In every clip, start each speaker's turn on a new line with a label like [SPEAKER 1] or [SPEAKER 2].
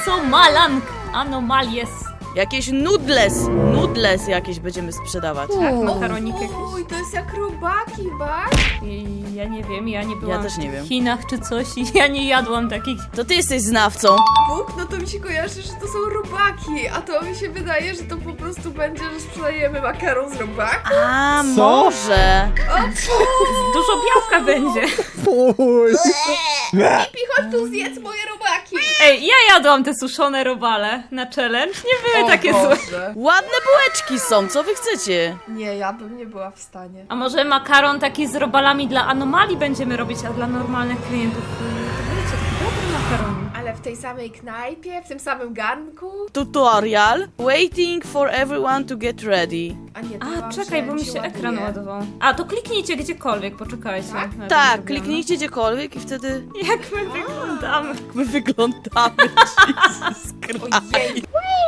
[SPEAKER 1] Anomalies.
[SPEAKER 2] Jakieś nudles jakieś będziemy sprzedawać.
[SPEAKER 1] Tak, makaronik jakiś.
[SPEAKER 3] Uj, to jest jak robaki, bak?
[SPEAKER 1] I ja nie wiem, ja nie byłam
[SPEAKER 2] też nie
[SPEAKER 1] w
[SPEAKER 2] wiem.
[SPEAKER 1] Chinach czy coś i ja nie jadłam takich.
[SPEAKER 2] To ty jesteś znawcą.
[SPEAKER 3] Bóg, no to mi się kojarzy, że to są robaki, a to mi się wydaje, że to po prostu będzie, że sprzedajemy makaron z robaku.
[SPEAKER 2] A,
[SPEAKER 4] Co?
[SPEAKER 2] może.
[SPEAKER 1] Dużo białka będzie.
[SPEAKER 4] Fuj.
[SPEAKER 3] Pipi, chodź tu, zjedz moje robaki.
[SPEAKER 1] Ej, ja jadłam te suszone robale na challenge. Nie były takie złe.
[SPEAKER 3] Boże.
[SPEAKER 2] Ładne bułeczki są, co wy chcecie?
[SPEAKER 3] Nie, ja bym nie była w stanie.
[SPEAKER 1] A może makaron taki z robalami dla anomalii będziemy robić, a dla normalnych klientów to wiecie, taki dobry makaron.
[SPEAKER 3] Ale w tej samej knajpie, w tym samym garnku?
[SPEAKER 2] Tutorial. Waiting for everyone to get ready.
[SPEAKER 3] A nie, to
[SPEAKER 1] A,
[SPEAKER 3] wam
[SPEAKER 1] czekaj, bo mi się
[SPEAKER 3] ładuje.
[SPEAKER 1] ekran ładował. A, to kliknijcie gdziekolwiek, poczekajcie.
[SPEAKER 3] Tak?
[SPEAKER 1] Jak
[SPEAKER 2] Tak,
[SPEAKER 1] wyglądamy.
[SPEAKER 2] kliknijcie gdziekolwiek i wtedy
[SPEAKER 1] Jak my wyglądamy.
[SPEAKER 2] my wyglądamy. Jesus Christ.
[SPEAKER 3] Ojej,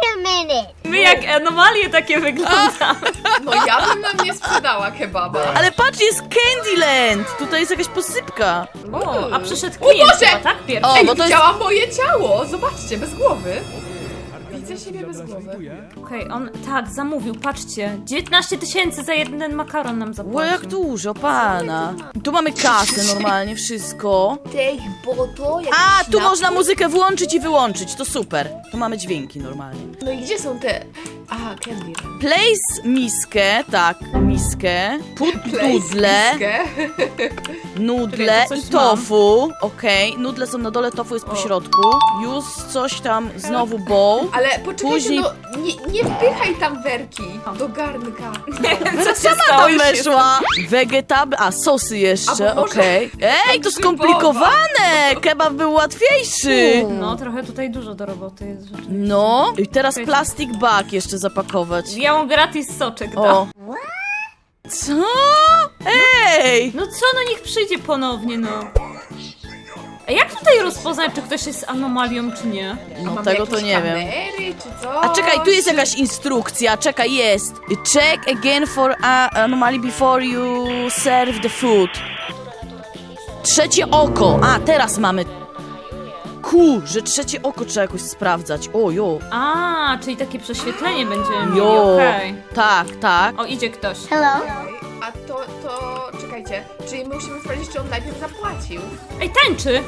[SPEAKER 1] My jak anomalie takie wyglądamy.
[SPEAKER 3] no ja bym nam nie sprzedała kebaba.
[SPEAKER 2] Ale patrz, jest Candyland! Tutaj jest jakaś posypka.
[SPEAKER 1] O, a przyszedł klient
[SPEAKER 3] Boże!
[SPEAKER 1] chyba, tak? Pierwszy.
[SPEAKER 2] O,
[SPEAKER 3] Ej,
[SPEAKER 2] bo to jest-
[SPEAKER 3] widziałam moje ciało! Zobaczcie, bez głowy. Widzę siebie bez głowy.
[SPEAKER 1] Okej, on tak zamówił, patrzcie. 19 000 za jeden makaron nam
[SPEAKER 2] Ło,
[SPEAKER 1] zapłacił.
[SPEAKER 2] jak dużo, pana. Tu mamy kasę normalnie, wszystko.
[SPEAKER 3] Tej, bo to jakiś
[SPEAKER 2] A, tu
[SPEAKER 3] napój?
[SPEAKER 2] można muzykę włączyć i wyłączyć, to super. Tu mamy dźwięki normalnie.
[SPEAKER 3] No i gdzie są te... Aha, candy.
[SPEAKER 2] Place miskę, tak, miskę. Put nudle, nudle
[SPEAKER 1] Czekaj, to
[SPEAKER 2] i
[SPEAKER 1] coś
[SPEAKER 2] tofu. Okej, nudle są na dole, tofu jest po środku. Use coś tam, znowu bowl.
[SPEAKER 3] Ale poczekajcie,
[SPEAKER 2] Później-
[SPEAKER 3] no nie wpychaj tam werki do garnka.
[SPEAKER 2] Vera
[SPEAKER 1] się
[SPEAKER 2] sama
[SPEAKER 1] stało?
[SPEAKER 2] tam
[SPEAKER 1] Już
[SPEAKER 2] weszła. Vegetable, a sosy jeszcze,
[SPEAKER 3] A bo może-
[SPEAKER 2] okej. Ej, to skomplikowane! Kebab był łatwiejszy.
[SPEAKER 1] No, trochę tutaj dużo do roboty jest rzeczywiście.
[SPEAKER 2] No, i teraz plastic bag jeszcze zapakować.
[SPEAKER 1] Ja mu gratis soczek dam.
[SPEAKER 2] O. Co? Ej!
[SPEAKER 1] No co, no niech przyjdzie ponownie, no. A jak tutaj rozpoznać, czy ktoś jest anomalią, czy nie?
[SPEAKER 2] No
[SPEAKER 3] Mamy
[SPEAKER 2] tego to
[SPEAKER 3] jakieś
[SPEAKER 2] nie wiem.
[SPEAKER 3] kamery, czy co?
[SPEAKER 2] A czekaj, tu jest jakaś instrukcja, czekaj, jest. Check again for anomaly before you serve the food. Trzecie oko. A, teraz mamy. Że trzecie oko trzeba jakoś sprawdzać. O, jo.
[SPEAKER 1] A, czyli takie prześwietlenie będziemy mieli,
[SPEAKER 2] Jo.
[SPEAKER 1] okej.
[SPEAKER 2] Tak, tak.
[SPEAKER 1] O, idzie ktoś.
[SPEAKER 3] A to, czekajcie, czyli my musimy sprawdzić, czy on najpierw zapłacił.
[SPEAKER 1] Ej, tańczy!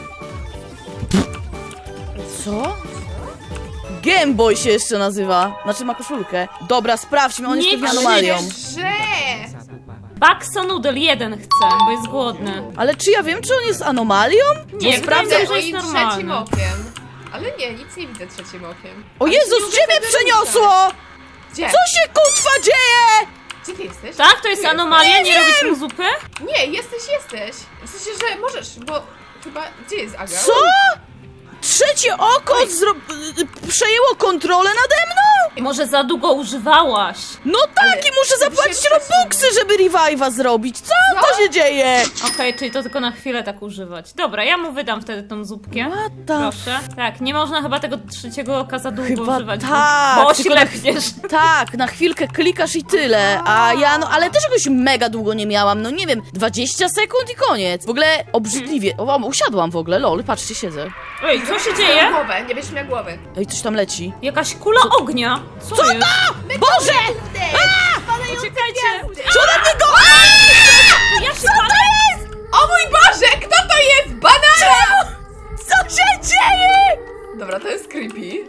[SPEAKER 2] Co? Game Boy się jeszcze nazywa. Znaczy ma koszulkę. Dobra, sprawdźmy, on jest
[SPEAKER 1] Nie
[SPEAKER 2] pewnie anomalią.
[SPEAKER 3] Że!
[SPEAKER 1] Bakso Noodle 1 chce, bo jest głodny.
[SPEAKER 2] Ale czy ja wiem, czy on jest anomalią?
[SPEAKER 1] Nie,
[SPEAKER 2] sprawdzę.
[SPEAKER 1] wydaje mi się, że jest
[SPEAKER 3] Oj,
[SPEAKER 1] normalny.
[SPEAKER 3] trzecim okiem. Ale nie, nic nie widzę trzecim okiem.
[SPEAKER 2] O
[SPEAKER 3] Ale
[SPEAKER 2] Jezus,
[SPEAKER 3] nie
[SPEAKER 2] gdzie mnie
[SPEAKER 3] mogę tego
[SPEAKER 2] przeniosło?
[SPEAKER 3] ruszać. Gdzie?
[SPEAKER 2] Co się kutwa dzieje?
[SPEAKER 3] Gdzie ty jesteś?
[SPEAKER 1] Tak? To jest
[SPEAKER 3] Tu
[SPEAKER 1] anomalia? Nie robić mu zupy?
[SPEAKER 3] Nie, jesteś. W sensie, że możesz, bo chyba... Gdzie jest Aga?
[SPEAKER 2] Co? Trzecie oko przejęło kontrolę nade mną?
[SPEAKER 1] Może za długo używałaś.
[SPEAKER 2] No tak, i muszę zapłacić
[SPEAKER 3] się
[SPEAKER 2] robuxy, żeby revive'a zrobić. Co się dzieje?
[SPEAKER 1] Okej, czyli to tylko na chwilę tak używać. Dobra, ja mu wydam wtedy tą zupkę.
[SPEAKER 2] What the
[SPEAKER 1] Proszę. Tak, nie można chyba tego trzeciego oka za długo
[SPEAKER 2] Chyba
[SPEAKER 1] używać,
[SPEAKER 2] tak,
[SPEAKER 1] bo
[SPEAKER 2] tylko na-
[SPEAKER 1] oślepniesz.
[SPEAKER 2] Tak, na chwilkę klikasz i tyle. A ja, no ale też jakoś mega długo nie miałam. No nie wiem, 20 sekund i koniec. W ogóle obrzydliwie. O, usiadłam w ogóle, lol, patrzcie, siedzę.
[SPEAKER 1] Ej, co się dzieje?
[SPEAKER 3] Głowę, nie będziesz miała głowy.
[SPEAKER 2] Ej, coś tam leci.
[SPEAKER 1] Jakaś kula ognia. Co jest?
[SPEAKER 2] Boże!
[SPEAKER 1] Poczekajcie.
[SPEAKER 2] Co na niego?
[SPEAKER 1] Ja się palę.
[SPEAKER 3] O mój Boże, kto to jest? Banana!
[SPEAKER 2] Co się dzieje?
[SPEAKER 3] Dobra, to jest creepy.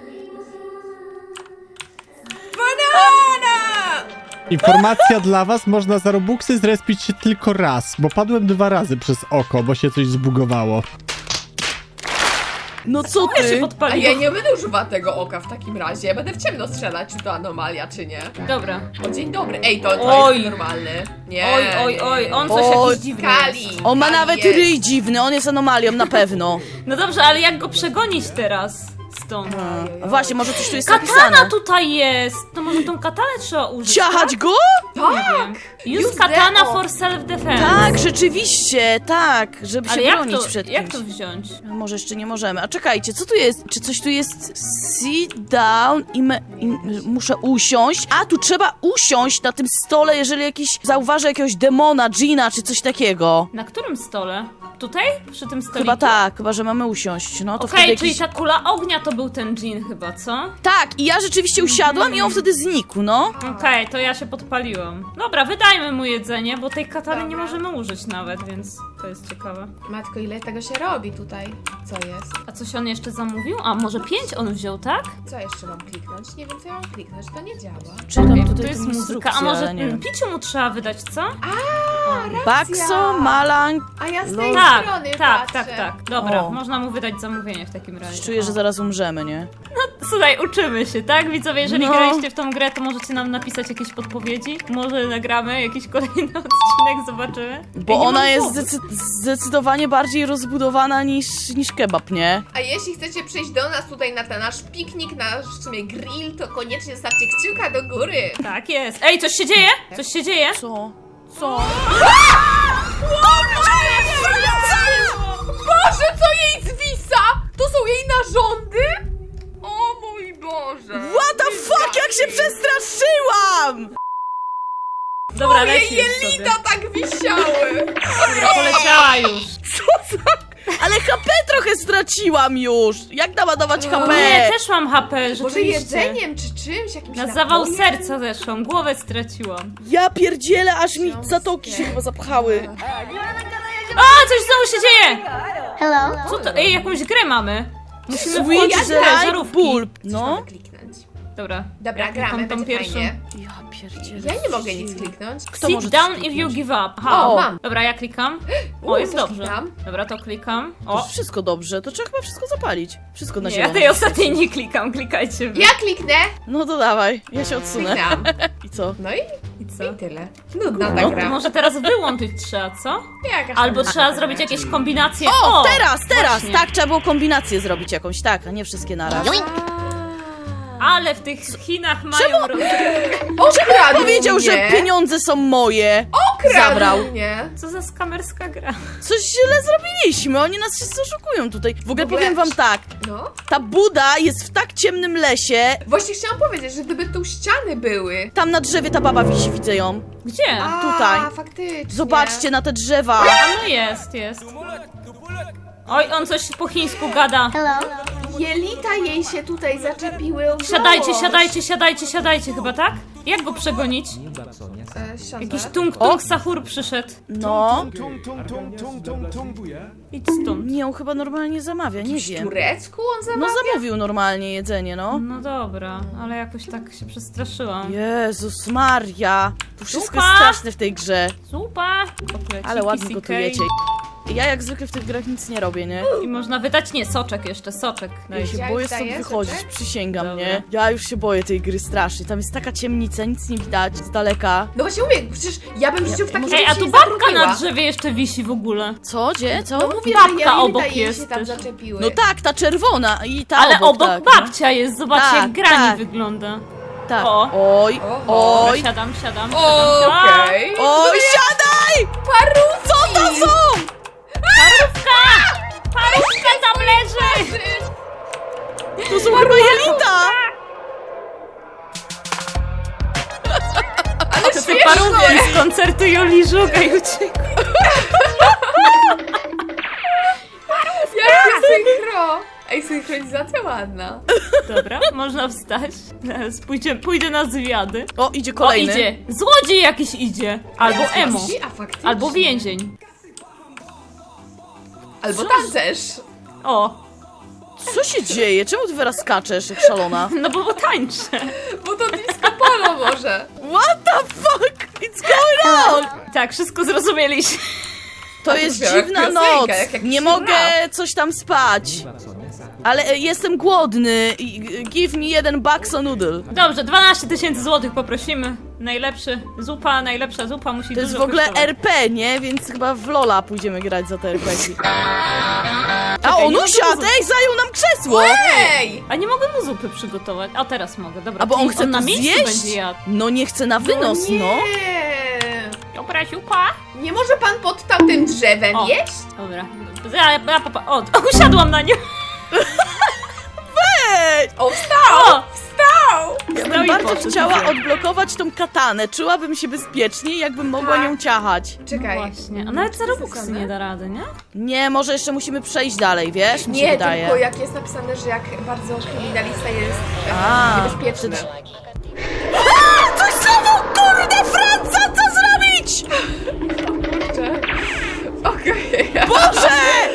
[SPEAKER 3] Banana!
[SPEAKER 4] Informacja dla was, można za robuxy zrespić się tylko raz, bo padłem 2 razy przez oko, bo się coś zbugowało.
[SPEAKER 2] No co
[SPEAKER 1] Ja się
[SPEAKER 2] ty?
[SPEAKER 3] A
[SPEAKER 1] podpaliło.
[SPEAKER 3] ja nie będę używała tego oka w takim razie. Ja będę w ciemno strzelać, czy to anomalia, czy nie.
[SPEAKER 1] Dobra.
[SPEAKER 3] O, dzień dobry. Ej, to
[SPEAKER 1] Oj.
[SPEAKER 3] jest normalny. Nie.
[SPEAKER 1] Oj, on coś
[SPEAKER 2] Oj.
[SPEAKER 1] jakiś dziwny jest.
[SPEAKER 3] Kali.
[SPEAKER 2] On ma
[SPEAKER 3] Kali
[SPEAKER 2] nawet
[SPEAKER 3] jest.
[SPEAKER 2] ryj dziwny, on jest anomalią na pewno.
[SPEAKER 1] No dobrze, ale jak go przegonić teraz stąd?
[SPEAKER 2] A właśnie, może coś tu jest
[SPEAKER 1] Katana
[SPEAKER 2] napisane.
[SPEAKER 1] tutaj jest! To może tą katanę trzeba użyć,
[SPEAKER 2] Ciachać go?
[SPEAKER 3] Tak!
[SPEAKER 1] Use
[SPEAKER 3] Use
[SPEAKER 1] katana
[SPEAKER 3] the-
[SPEAKER 1] for self-defense.
[SPEAKER 2] Tak, rzeczywiście, tak, żeby się
[SPEAKER 1] Ale jak
[SPEAKER 2] bronić
[SPEAKER 1] to,
[SPEAKER 2] przed
[SPEAKER 1] jak
[SPEAKER 2] kimś.
[SPEAKER 1] to wziąć?
[SPEAKER 2] No, może jeszcze nie możemy. A czekajcie, co tu jest? Czy coś tu jest? Sit down i muszę usiąść. A, tu trzeba usiąść na tym stole, jeżeli jakiś zauważę jakiegoś demona, dżina czy coś takiego.
[SPEAKER 1] Na którym stole? Tutaj? Przy tym stoliku?
[SPEAKER 2] Chyba tak, chyba że mamy usiąść. No to
[SPEAKER 1] Okej,
[SPEAKER 2] wtedy
[SPEAKER 1] czyli
[SPEAKER 2] jakiś...
[SPEAKER 1] ta kula ognia to był ten dżin chyba, co?
[SPEAKER 2] Tak, i ja rzeczywiście usiadłam i on wtedy znikł, no.
[SPEAKER 1] Okej, to ja się podpaliłam. Dobra, wydajmy mu jedzenie, bo tej katany nie
[SPEAKER 3] Dobra.
[SPEAKER 1] możemy użyć nawet, więc to jest ciekawe.
[SPEAKER 3] Matko, ile tego się robi tutaj? Co jest?
[SPEAKER 1] A coś on jeszcze zamówił? A może 5 on wziął, tak?
[SPEAKER 3] Co jeszcze mam kliknąć? Nie wiem, co ja mam kliknąć, to nie działa.
[SPEAKER 2] Czytam
[SPEAKER 1] Okej,
[SPEAKER 2] tutaj
[SPEAKER 1] to jest
[SPEAKER 2] tę
[SPEAKER 1] muzyka.
[SPEAKER 2] instrukcję,
[SPEAKER 1] A może
[SPEAKER 2] ale nie wiem.
[SPEAKER 1] piciu mu trzeba wydać, co?
[SPEAKER 2] Bakso, Malang...
[SPEAKER 3] A ja z tej
[SPEAKER 1] Tak,
[SPEAKER 3] strony
[SPEAKER 1] tak,
[SPEAKER 3] patrzę.
[SPEAKER 1] tak. Dobra,
[SPEAKER 2] O.
[SPEAKER 1] można mu wydać zamówienie w takim razie.
[SPEAKER 2] Czuję, że
[SPEAKER 1] O.
[SPEAKER 2] zaraz umrzemy, nie?
[SPEAKER 1] Słuchaj, uczymy się, tak? Widzowie, jeżeli
[SPEAKER 2] No.
[SPEAKER 1] graliście w tą grę, to możecie nam napisać jakieś podpowiedzi. Może nagramy jakiś kolejny odcinek, zobaczymy.
[SPEAKER 2] Bo
[SPEAKER 1] Ej, nie
[SPEAKER 2] ona
[SPEAKER 1] mam
[SPEAKER 2] jest
[SPEAKER 1] głowy.
[SPEAKER 2] zdecydowanie bardziej rozbudowana niż kebab, nie?
[SPEAKER 3] A jeśli chcecie przyjść do nas tutaj na ten nasz piknik, nasz w sumie grill, to koniecznie stawcie kciuka do góry.
[SPEAKER 1] Tak jest. Ej, coś się dzieje? Coś się dzieje?
[SPEAKER 2] Co? Co?
[SPEAKER 3] Boże, co jej zwisa? To są jej narządy? O mój Boże.
[SPEAKER 2] What the fuck, jak się przestraszyłam!
[SPEAKER 1] Dobra,
[SPEAKER 3] Moje
[SPEAKER 1] leci już sobie.
[SPEAKER 3] jelita tak wisiały.
[SPEAKER 1] Dobra, poleciała już.
[SPEAKER 2] Ale HP trochę straciłam już! Jak naładować
[SPEAKER 1] O
[SPEAKER 2] HP?
[SPEAKER 1] nie, też mam HP,
[SPEAKER 3] Może
[SPEAKER 1] rzeczywiście.
[SPEAKER 3] jedzeniem czy czymś, jakimś
[SPEAKER 1] Na zawał
[SPEAKER 3] napojem?
[SPEAKER 1] serca zeszłam, głowę straciłam.
[SPEAKER 2] Ja pierdzielę, aż mi zatoki się chyba zapchały.
[SPEAKER 1] A, coś znowu się dzieje! Co to? Ej, jakąś grę mamy. Musimy
[SPEAKER 2] Sweet
[SPEAKER 1] wchodzić w te
[SPEAKER 2] like
[SPEAKER 1] żarówki.
[SPEAKER 2] bulb.
[SPEAKER 3] Coś
[SPEAKER 2] No.
[SPEAKER 3] mamy kliknąć.
[SPEAKER 1] Dobra.
[SPEAKER 3] Dobra,
[SPEAKER 1] Ja
[SPEAKER 3] gramy,
[SPEAKER 1] klikam tą
[SPEAKER 3] będzie
[SPEAKER 1] pierwszą.
[SPEAKER 3] fajnie.
[SPEAKER 2] Ja pierdzielę.
[SPEAKER 3] Ja nie mogę nic kliknąć.
[SPEAKER 2] Kto
[SPEAKER 1] Sit
[SPEAKER 2] może
[SPEAKER 1] down
[SPEAKER 2] coś
[SPEAKER 1] if you
[SPEAKER 2] kliknąć?
[SPEAKER 1] give up. Aha.
[SPEAKER 3] O, mam.
[SPEAKER 1] Dobra, ja klikam. O, jest
[SPEAKER 3] też
[SPEAKER 1] dobrze.
[SPEAKER 3] klikam.
[SPEAKER 1] Dobra, to klikam.
[SPEAKER 2] To
[SPEAKER 1] O,
[SPEAKER 2] wszystko dobrze, to trzeba chyba wszystko zapalić. Wszystko na
[SPEAKER 1] nie,
[SPEAKER 2] zielono.
[SPEAKER 1] ja tej ostatniej nie klikam, klikajcie wy.
[SPEAKER 3] Ja kliknę.
[SPEAKER 2] No to dawaj, ja się odsunę.
[SPEAKER 3] Kliknam.
[SPEAKER 2] I co?
[SPEAKER 3] No i
[SPEAKER 1] I co?
[SPEAKER 3] tyle. Nudna ta
[SPEAKER 2] No,
[SPEAKER 3] gra.
[SPEAKER 1] Może teraz wyłączyć trzeba, co?
[SPEAKER 3] Jakaś
[SPEAKER 1] Albo
[SPEAKER 3] tam
[SPEAKER 1] trzeba
[SPEAKER 3] gra.
[SPEAKER 1] zrobić jakieś kombinacje.
[SPEAKER 2] O, teraz!
[SPEAKER 1] właśnie.
[SPEAKER 2] Tak, trzeba było kombinację zrobić jakąś, tak, a nie wszystkie naraz.
[SPEAKER 1] Ale w tych Chinach mają
[SPEAKER 3] Okradł
[SPEAKER 2] Powiedział,
[SPEAKER 3] mnie.
[SPEAKER 2] że pieniądze są moje.
[SPEAKER 3] Okradł
[SPEAKER 2] zabrał.
[SPEAKER 3] mnie.
[SPEAKER 1] Co za skamerska gra.
[SPEAKER 2] Coś źle zrobiliśmy, oni nas wszyscy oszukują tutaj. W ogóle powiem wam tak,
[SPEAKER 3] No.
[SPEAKER 2] ta Buda jest w tak ciemnym lesie,
[SPEAKER 3] Właśnie chciałam powiedzieć, że gdyby tu ściany były.
[SPEAKER 2] tam na drzewie ta baba wisi, widzę ją.
[SPEAKER 1] Gdzie?
[SPEAKER 3] A,
[SPEAKER 2] Tutaj.
[SPEAKER 3] faktycznie.
[SPEAKER 2] Zobaczcie na te drzewa.
[SPEAKER 1] A no jest. Oj, on coś po chińsku gada.
[SPEAKER 3] Jelita jej się tutaj zaczepiły o
[SPEAKER 1] Siadajcie chyba, tak? Jak go przegonić?
[SPEAKER 3] Siądę.
[SPEAKER 1] Jakiś tung sahur przyszedł.
[SPEAKER 2] No,
[SPEAKER 1] Idź stąd.
[SPEAKER 2] nie, on chyba normalnie zamawia, nie
[SPEAKER 3] W
[SPEAKER 2] wiem.
[SPEAKER 3] turecku on
[SPEAKER 2] No
[SPEAKER 3] zamawia?
[SPEAKER 2] zamówił normalnie jedzenie, no.
[SPEAKER 1] No dobra, ale jakoś tak się przestraszyłam.
[SPEAKER 2] Jezus Maria, to wszystko
[SPEAKER 1] Zupa!
[SPEAKER 2] jest straszne w tej grze.
[SPEAKER 1] Zupa! Kotleciki,
[SPEAKER 2] Ale ładnie
[SPEAKER 1] CK.
[SPEAKER 2] gotujecie. Ja jak zwykle w tych grach nic nie robię, nie?
[SPEAKER 1] I można wydać, nie, soczek jeszcze, soczek.
[SPEAKER 2] Ja
[SPEAKER 1] Daj.
[SPEAKER 2] się
[SPEAKER 3] Ja
[SPEAKER 2] boję
[SPEAKER 3] już
[SPEAKER 2] stąd
[SPEAKER 3] daję
[SPEAKER 2] wychodzić,
[SPEAKER 3] soczek?
[SPEAKER 2] przysięgam,
[SPEAKER 1] Dobra.
[SPEAKER 2] nie? Ja już się boję tej gry strasznie. Tam jest taka ciemnica, nic nie widać z daleka.
[SPEAKER 3] No właśnie mówię, przecież ja bym w życiu w takim
[SPEAKER 1] Ej, a
[SPEAKER 3] rzeczy
[SPEAKER 1] tu
[SPEAKER 3] nie
[SPEAKER 1] babka
[SPEAKER 3] zatrudniła.
[SPEAKER 1] na drzewie jeszcze wisi w ogóle.
[SPEAKER 2] Co? Gdzie? Co?
[SPEAKER 3] No mówię,
[SPEAKER 1] Babka
[SPEAKER 3] że jelita
[SPEAKER 1] obok
[SPEAKER 3] jej
[SPEAKER 1] jest
[SPEAKER 3] się tam
[SPEAKER 1] też.
[SPEAKER 3] zaczepiły.
[SPEAKER 2] No tak, ta czerwona i ta
[SPEAKER 1] Ale obok
[SPEAKER 2] tak,
[SPEAKER 1] babcia jest, zobaczcie
[SPEAKER 2] Tak,
[SPEAKER 1] jak grani
[SPEAKER 2] tak.
[SPEAKER 1] wygląda.
[SPEAKER 2] No. Tak.
[SPEAKER 1] O.
[SPEAKER 2] Oj,
[SPEAKER 3] Oho.
[SPEAKER 2] oj,
[SPEAKER 1] Siadam.
[SPEAKER 3] Okej.
[SPEAKER 2] oj, siadaj!
[SPEAKER 3] Parówki!
[SPEAKER 2] Co to są?
[SPEAKER 1] Parówka tam leży!
[SPEAKER 2] To są chyba jelita!
[SPEAKER 3] Ale
[SPEAKER 1] To ty
[SPEAKER 3] śmieszne!
[SPEAKER 1] parówki z koncertu Joli Żugaj uciekł.
[SPEAKER 3] Jakie synchro! Ej, synchronizacja ładna.
[SPEAKER 1] Dobra, można wstać. Zaraz pójdę na zwiady.
[SPEAKER 2] O, idzie
[SPEAKER 1] O,
[SPEAKER 2] kolejny.
[SPEAKER 1] idzie. Złodziej jakiś idzie. Albo emo.
[SPEAKER 3] A faktycznie.
[SPEAKER 1] Albo więzień.
[SPEAKER 3] Albo tancerz.
[SPEAKER 1] O,
[SPEAKER 2] Co się dzieje? Czemu ty teraz skaczesz jak szalona?
[SPEAKER 1] no bo tańczę.
[SPEAKER 3] Bo to disco polo może.
[SPEAKER 2] What the fuck? It's going on?
[SPEAKER 1] Tak, wszystko zrozumieliśmy.
[SPEAKER 2] To
[SPEAKER 3] A to
[SPEAKER 2] jest
[SPEAKER 3] brzmiała jak
[SPEAKER 2] dziwna
[SPEAKER 3] piosenka,
[SPEAKER 2] noc.
[SPEAKER 3] jak jakiś
[SPEAKER 2] Nie mogę
[SPEAKER 3] rap.
[SPEAKER 2] coś tam spać. Ale jestem głodny. Give me 1 bakso noodle.
[SPEAKER 1] Dobrze, 12 000 złotych poprosimy. Najlepsza zupa musi
[SPEAKER 2] To jest
[SPEAKER 1] dużo
[SPEAKER 2] w ogóle
[SPEAKER 1] kosztować.
[SPEAKER 2] RP, nie? Więc chyba w Lola pójdziemy grać za te RPG. A
[SPEAKER 1] Czekaj,
[SPEAKER 2] on
[SPEAKER 1] nie ma
[SPEAKER 2] usiadł!
[SPEAKER 1] tu
[SPEAKER 2] Ej, zajął nam krzesło!
[SPEAKER 3] Ej!
[SPEAKER 1] A nie mogę mu zupy przygotować. A teraz mogę, dobra.
[SPEAKER 2] A bo on
[SPEAKER 1] czyli
[SPEAKER 2] chce
[SPEAKER 1] na
[SPEAKER 2] to
[SPEAKER 1] miejscu
[SPEAKER 2] zjeść?
[SPEAKER 1] będzie jadł.
[SPEAKER 2] No nie chce na wynos, no.
[SPEAKER 3] Nie.
[SPEAKER 1] Dobra, zupa.
[SPEAKER 3] Nie może pan pod tamtym drzewem
[SPEAKER 1] O.
[SPEAKER 3] jeść?
[SPEAKER 1] Dobra. O, usiadłam na nią.
[SPEAKER 2] Ej!
[SPEAKER 3] O, wstał!
[SPEAKER 1] O!
[SPEAKER 3] Wstał!
[SPEAKER 2] Ja bym bym
[SPEAKER 1] i
[SPEAKER 2] bardzo
[SPEAKER 1] poszedł,
[SPEAKER 2] chciała
[SPEAKER 1] widzę.
[SPEAKER 2] odblokować tą katanę. Czułabym się bezpieczniej, jakbym mogła
[SPEAKER 3] Tak.
[SPEAKER 2] nią ciachać.
[SPEAKER 3] Czekaj.
[SPEAKER 1] Właśnie, a nawet za Robuxy
[SPEAKER 3] Zasadne?
[SPEAKER 1] nie da rady, nie?
[SPEAKER 2] Nie, może jeszcze musimy przejść dalej, wiesz? Mi się
[SPEAKER 3] Nie,
[SPEAKER 2] wydaje.
[SPEAKER 3] tylko jak jest napisane, że jak bardzo kryminalista jest
[SPEAKER 2] A,
[SPEAKER 3] niebezpieczny.
[SPEAKER 2] Coś znowu, kurde, Franca, co zrobić?
[SPEAKER 3] Kurczę. Okej.
[SPEAKER 2] Boże!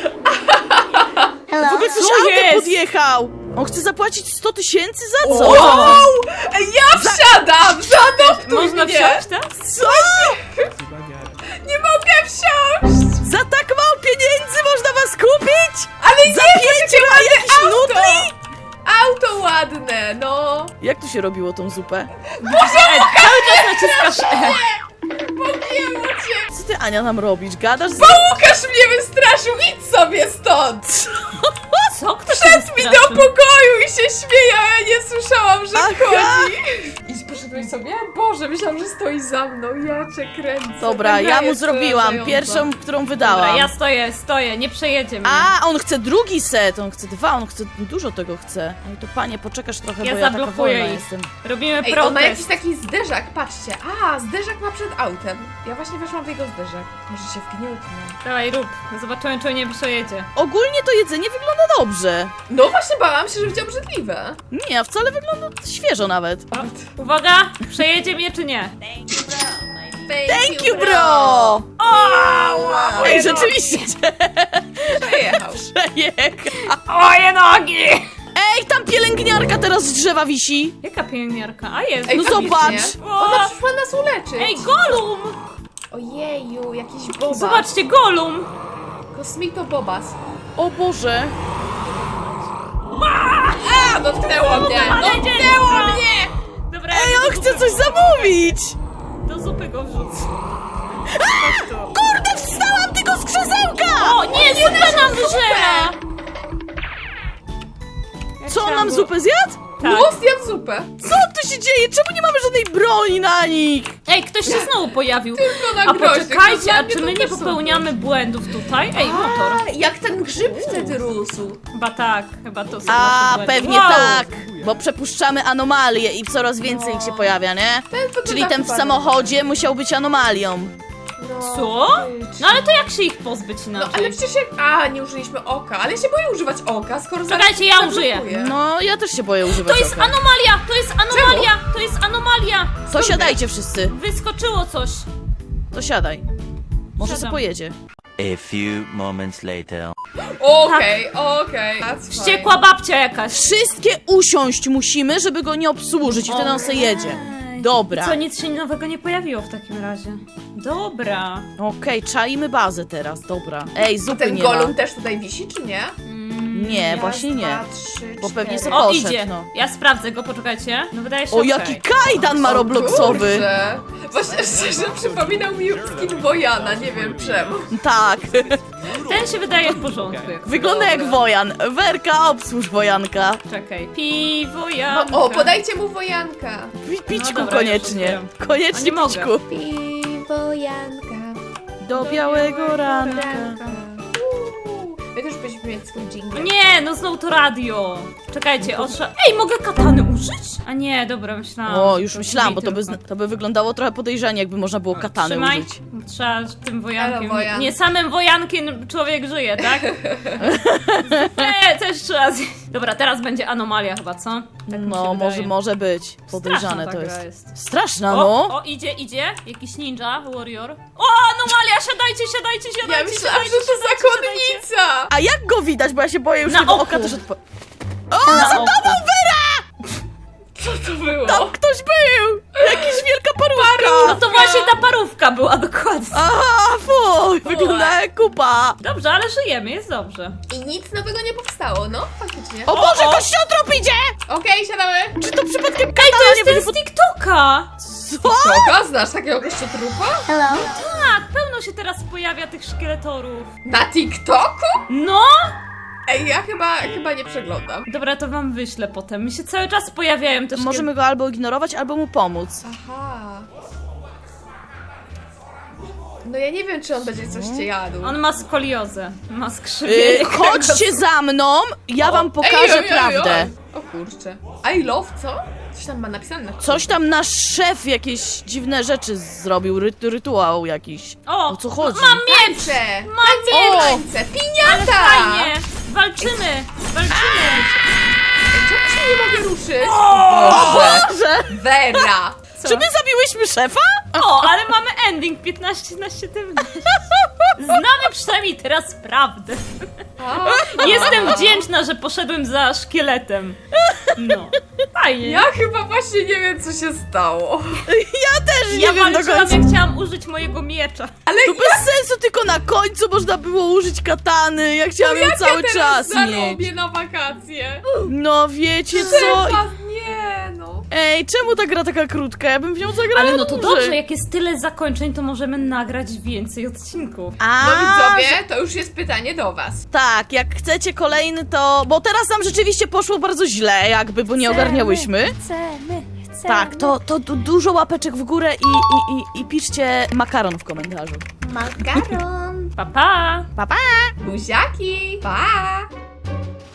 [SPEAKER 2] W ogóle coś
[SPEAKER 1] Co
[SPEAKER 2] autem
[SPEAKER 1] jest?
[SPEAKER 2] podjechał. On chce zapłacić 100 000 za co?
[SPEAKER 3] Wow! Ja wsiadam! Zaadoptuj
[SPEAKER 1] Można
[SPEAKER 3] mnie!
[SPEAKER 1] wsiąść teraz?
[SPEAKER 2] Co?
[SPEAKER 3] Nie mogę wsiąść!
[SPEAKER 2] Za tak mało pieniędzy można was kupić?
[SPEAKER 3] Ale
[SPEAKER 2] Za
[SPEAKER 3] nie,
[SPEAKER 2] 5
[SPEAKER 3] jakie
[SPEAKER 2] ma
[SPEAKER 3] ładne
[SPEAKER 2] jakiś
[SPEAKER 3] auto!
[SPEAKER 2] nutri?
[SPEAKER 3] Auto ładne, no!
[SPEAKER 2] Jak tu się robiło tą zupę?
[SPEAKER 1] Cały czas naciskasz E.
[SPEAKER 3] Pogięło cię!
[SPEAKER 2] Co ty, Ania, nam robisz? Gadasz z...
[SPEAKER 3] Łukasz mnie wystraszył! Idź sobie stąd!
[SPEAKER 1] Co? Kto się
[SPEAKER 3] Wszedł mi do
[SPEAKER 1] wystraszył?
[SPEAKER 3] pokoju i się śmieje, a ja nie słyszałam, że
[SPEAKER 2] Aha.
[SPEAKER 3] wchodzi. I poszedłeś sobie? Boże, myślałam, że stoi za mną. Ja cię kręcę.
[SPEAKER 2] Dobra,
[SPEAKER 3] Ta gra
[SPEAKER 2] ja mu
[SPEAKER 3] jest
[SPEAKER 2] zrobiłam.
[SPEAKER 3] przerażająca.
[SPEAKER 2] Pierwszą, którą wydałam.
[SPEAKER 1] Dobra, ja stoję, nie przejedzie mnie.
[SPEAKER 2] A, on chce drugi set, on chce 2, on chce dużo tego chce. Ale to panie, poczekasz trochę,
[SPEAKER 1] Ja
[SPEAKER 2] bo ja taka
[SPEAKER 1] zablokuję
[SPEAKER 2] wolna
[SPEAKER 1] ich.
[SPEAKER 2] jestem.
[SPEAKER 1] Robimy
[SPEAKER 3] Ej, on ma jakiś
[SPEAKER 1] protest.
[SPEAKER 3] taki zderzak, patrzcie. A, zderzak ma przed autem. Ja właśnie weszłam w jego zderzak. Może się wgniótnę.
[SPEAKER 1] Dawaj, rób. Zobaczymy, czy nie przejedzie.
[SPEAKER 2] Ogólnie to jedzenie wygląda dobrze.
[SPEAKER 3] No właśnie bałam się, że będzie obrzydliwe.
[SPEAKER 2] Nie, a wcale wygląda świeżo nawet.
[SPEAKER 1] Uwaga, przejedzie mnie czy nie?
[SPEAKER 2] Thank you, bro!
[SPEAKER 3] Wow,
[SPEAKER 2] Ej, rzeczywiście
[SPEAKER 3] przejechał.
[SPEAKER 2] przejechał.
[SPEAKER 1] Moje nogi!
[SPEAKER 2] Ej, tam pielęgniarka teraz z drzewa wisi.
[SPEAKER 1] Jaka pielęgniarka? A jest.
[SPEAKER 3] Ej,
[SPEAKER 2] No
[SPEAKER 3] faktycznie.
[SPEAKER 2] zobacz.
[SPEAKER 3] Ona przyszła nas uleczyć.
[SPEAKER 1] Ej, Golum!
[SPEAKER 3] Ojeju, jakiś bobas.
[SPEAKER 1] Zobaczcie, Golum!
[SPEAKER 3] Kosmito bobas.
[SPEAKER 2] O Boże.
[SPEAKER 3] A, dotknęło mnie!
[SPEAKER 1] Dotknęło mnie! Dobra,
[SPEAKER 2] Ej,
[SPEAKER 1] ja
[SPEAKER 2] on
[SPEAKER 1] do
[SPEAKER 2] chce
[SPEAKER 1] zupy-
[SPEAKER 2] coś zamówić.
[SPEAKER 1] Do zupy go wrzucę.
[SPEAKER 2] Kurde, wstałam tylko z krzesełka!
[SPEAKER 1] O, nie, zupę nam wyżera! Ja
[SPEAKER 2] Co, on
[SPEAKER 1] chciałam
[SPEAKER 2] nam
[SPEAKER 1] go-
[SPEAKER 2] zupę zjadł?
[SPEAKER 1] Tak.
[SPEAKER 3] No, zjadł zupę.
[SPEAKER 2] Co tu się dzieje? Czemu nie mamy żadnej broni na nich?
[SPEAKER 1] Ej, ktoś się znowu pojawił.
[SPEAKER 3] Tylko na
[SPEAKER 1] A
[SPEAKER 3] groźnych.
[SPEAKER 1] poczekajcie,
[SPEAKER 3] Dla
[SPEAKER 1] a
[SPEAKER 3] mnie
[SPEAKER 1] czy
[SPEAKER 3] to
[SPEAKER 1] my nie
[SPEAKER 3] też są
[SPEAKER 1] popełniamy błędów tutaj? Ej, motor.
[SPEAKER 3] A, jak ten grzyb wtedy rósł.
[SPEAKER 1] Chyba tak, chyba to są
[SPEAKER 2] A,
[SPEAKER 1] nasze błędy.
[SPEAKER 2] pewnie
[SPEAKER 1] Wow!
[SPEAKER 2] tak, bo przepuszczamy anomalie i coraz więcej ich się pojawia, nie?
[SPEAKER 3] Ten wygląda
[SPEAKER 2] Czyli ten w
[SPEAKER 3] chyba
[SPEAKER 2] samochodzie musiał być anomalią.
[SPEAKER 3] No,
[SPEAKER 1] Co?
[SPEAKER 3] faktycznie.
[SPEAKER 1] No ale to jak się ich pozbyć
[SPEAKER 3] No
[SPEAKER 1] inaczej?
[SPEAKER 3] ale przecież jak... A, nie użyliśmy oka, ale ja się boję używać oka, skoro zaraz
[SPEAKER 1] Czekajcie, ja
[SPEAKER 3] zablokuje.
[SPEAKER 1] użyję.
[SPEAKER 2] No, ja też się boję używać
[SPEAKER 1] To jest
[SPEAKER 2] oka.
[SPEAKER 1] anomalia! To jest anomalia! To jest anomalia!
[SPEAKER 2] To siadajcie wszyscy,
[SPEAKER 1] Wyskoczyło coś.
[SPEAKER 2] to siadaj. Może se
[SPEAKER 1] Siadam.
[SPEAKER 2] pojedzie.
[SPEAKER 5] A few moments later.
[SPEAKER 3] Okej, okej. That's
[SPEAKER 1] Wściekła babcia jakaś.
[SPEAKER 2] Wszystkie usiąść musimy, żeby go nie obsłużyć i wtedy on se jedzie. Dobra.
[SPEAKER 1] Co, nic się nowego nie pojawiło w takim razie. Dobra.
[SPEAKER 2] Okej, czaimy bazę teraz, dobra. Ej,
[SPEAKER 3] A
[SPEAKER 2] zupy
[SPEAKER 3] ten
[SPEAKER 2] nie
[SPEAKER 3] golum
[SPEAKER 2] ma.
[SPEAKER 3] też tutaj wisi, czy nie?
[SPEAKER 2] Nie,
[SPEAKER 3] Raz,
[SPEAKER 2] właśnie nie.
[SPEAKER 3] dwa, trzy,
[SPEAKER 2] Bo pewnie
[SPEAKER 3] cztery.
[SPEAKER 2] sobie
[SPEAKER 1] O,
[SPEAKER 2] poszedł,
[SPEAKER 1] idzie.
[SPEAKER 2] no.
[SPEAKER 1] Ja sprawdzę go, poczekajcie. No wydaje się
[SPEAKER 2] O,
[SPEAKER 1] okej.
[SPEAKER 2] jaki kajdan ma
[SPEAKER 3] O
[SPEAKER 2] robloxowy.
[SPEAKER 3] kurczę. Właśnie szczerze przypominał mi skin Wojana, nie wiem czemu.
[SPEAKER 2] Tak,
[SPEAKER 1] Ten się wydaje w porządku. Jak...
[SPEAKER 2] wygląda jak Wojan. Werka, obsłuż Wojanka.
[SPEAKER 1] Czekaj. Piwo,
[SPEAKER 3] No,
[SPEAKER 1] jabłka.
[SPEAKER 3] o, podajcie mu Wojanka.
[SPEAKER 2] Pićku
[SPEAKER 1] No dobra,
[SPEAKER 2] koniecznie.
[SPEAKER 1] już
[SPEAKER 2] Koniecznie
[SPEAKER 1] A nie mogę.
[SPEAKER 2] pićku.
[SPEAKER 3] Piwo Janka.
[SPEAKER 2] Do białego ranka.
[SPEAKER 3] My też byśmy mieć swój jingle.
[SPEAKER 1] Nie, no znowu to radio. Czekajcie, Ej, mogę katany użyć? A nie, dobra, myślałam.
[SPEAKER 2] O,
[SPEAKER 1] że
[SPEAKER 2] już
[SPEAKER 1] to
[SPEAKER 2] myślałam, bo
[SPEAKER 1] drzwi
[SPEAKER 2] to by,
[SPEAKER 1] tylko.
[SPEAKER 2] to by wyglądało trochę podejrzanie, jakby można było katany
[SPEAKER 1] Trzymaj.
[SPEAKER 2] użyć.
[SPEAKER 1] Trzeba tym wojankiem.
[SPEAKER 3] Elo, wojan.
[SPEAKER 1] Nie samym wojankiem człowiek żyje, tak? Nie, też trzeba zjeść. Dobra, teraz będzie anomalia chyba, co? Tak mi się
[SPEAKER 2] No,
[SPEAKER 1] wydaje.
[SPEAKER 2] może być. Podejrzane
[SPEAKER 1] Straszna ta
[SPEAKER 2] to
[SPEAKER 1] gra
[SPEAKER 2] jest.
[SPEAKER 1] jest.
[SPEAKER 2] Straszna,
[SPEAKER 1] O,
[SPEAKER 2] no.
[SPEAKER 1] o, idzie. Jakiś ninja, warrior. O, anomalia, siadajcie.
[SPEAKER 3] Ja myślałam, że to zakonnica!
[SPEAKER 2] A jak go widać, bo ja się boję już
[SPEAKER 1] Na
[SPEAKER 2] tego
[SPEAKER 1] oku.
[SPEAKER 2] oka też
[SPEAKER 1] Na oko.
[SPEAKER 3] Co to było?
[SPEAKER 2] Tam ktoś był! Jakiś wielka parówka!
[SPEAKER 1] No to właśnie ta parówka była dokładnie.
[SPEAKER 2] Aha, fuj, wygląda jak kupa.
[SPEAKER 1] Dobrze, ale żyjemy, jest dobrze.
[SPEAKER 3] I nic nowego nie powstało, no faktycznie.
[SPEAKER 2] O Boże,
[SPEAKER 1] o.
[SPEAKER 2] kościotrop idzie!
[SPEAKER 3] Okej, siadamy.
[SPEAKER 2] Czy to przypadkiem
[SPEAKER 1] Ej,
[SPEAKER 2] katana
[SPEAKER 1] to
[SPEAKER 2] nie
[SPEAKER 1] jest
[SPEAKER 2] będzie
[SPEAKER 1] ten z TikToka!
[SPEAKER 2] Co?
[SPEAKER 3] Koka, znasz takiego kościotrupa?
[SPEAKER 1] Tak, pełno się teraz pojawia tych szkieletorów.
[SPEAKER 3] Na TikToku?
[SPEAKER 1] No!
[SPEAKER 3] Ej, ja chyba nie przeglądam.
[SPEAKER 1] Dobra, to wam wyślę potem. Mi się cały czas pojawiają te
[SPEAKER 2] Możemy go albo ignorować, albo mu pomóc.
[SPEAKER 3] Aha. No ja nie wiem, czy on będzie coś cię jadł.
[SPEAKER 1] On ma skoliozę, ma skrzywienie.
[SPEAKER 2] Chodźcie za mną, ja wam pokażę prawdę.
[SPEAKER 3] O kurczę. I love co? Coś tam ma napisane na
[SPEAKER 2] Coś tam nasz szef jakieś dziwne rzeczy zrobił, rytuał jakiś. O co chodzi?
[SPEAKER 1] Mam miecz!
[SPEAKER 3] Tańce!
[SPEAKER 1] Mam miecz!
[SPEAKER 3] Tańce! Piniata!
[SPEAKER 1] Fajnie! Walczymy! Walczymy!
[SPEAKER 3] Czemu się nie mogę ruszyć?
[SPEAKER 2] Boże!
[SPEAKER 3] Vera!
[SPEAKER 1] Co?
[SPEAKER 2] Czy my zabiłyśmy szefa?
[SPEAKER 1] O, ale mamy ending 15 na 17. Znamy przynajmniej teraz prawdę. Jestem wdzięczna, że poszedłem za szkieletem. No, fajnie.
[SPEAKER 3] Ja chyba właśnie nie wiem, co się stało.
[SPEAKER 2] Ja też nie
[SPEAKER 1] Ja
[SPEAKER 2] wiem do
[SPEAKER 1] walczyłam,
[SPEAKER 2] końca.
[SPEAKER 1] jak chciałam użyć mojego miecza.
[SPEAKER 3] Ale
[SPEAKER 2] To bez sensu, tylko na końcu można było użyć katany. Ja chciałam ją cały
[SPEAKER 3] ja
[SPEAKER 2] czas
[SPEAKER 3] teraz
[SPEAKER 2] mieć.
[SPEAKER 3] zarobię na wakacje?
[SPEAKER 2] No wiecie co?
[SPEAKER 3] Szefa, nie no.
[SPEAKER 2] Ej, czemu ta gra taka krótka? Ja bym w nią zagrała
[SPEAKER 1] Ale no to
[SPEAKER 2] dłużej.
[SPEAKER 1] dobrze, jak jest tyle zakończeń, to możemy nagrać więcej odcinków.
[SPEAKER 2] A,
[SPEAKER 3] No widzowie, to już jest pytanie do was.
[SPEAKER 2] tak, jak chcecie kolejny, to... Bo teraz nam rzeczywiście poszło bardzo źle, jakby, bo nie ogarniałyśmy.
[SPEAKER 1] Chcemy.
[SPEAKER 2] Tak, to dużo łapeczek w górę i piszcie makaron w komentarzu.
[SPEAKER 3] Makaron.
[SPEAKER 1] Pa, pa.
[SPEAKER 2] Pa, pa!
[SPEAKER 3] Buziaki. Pa.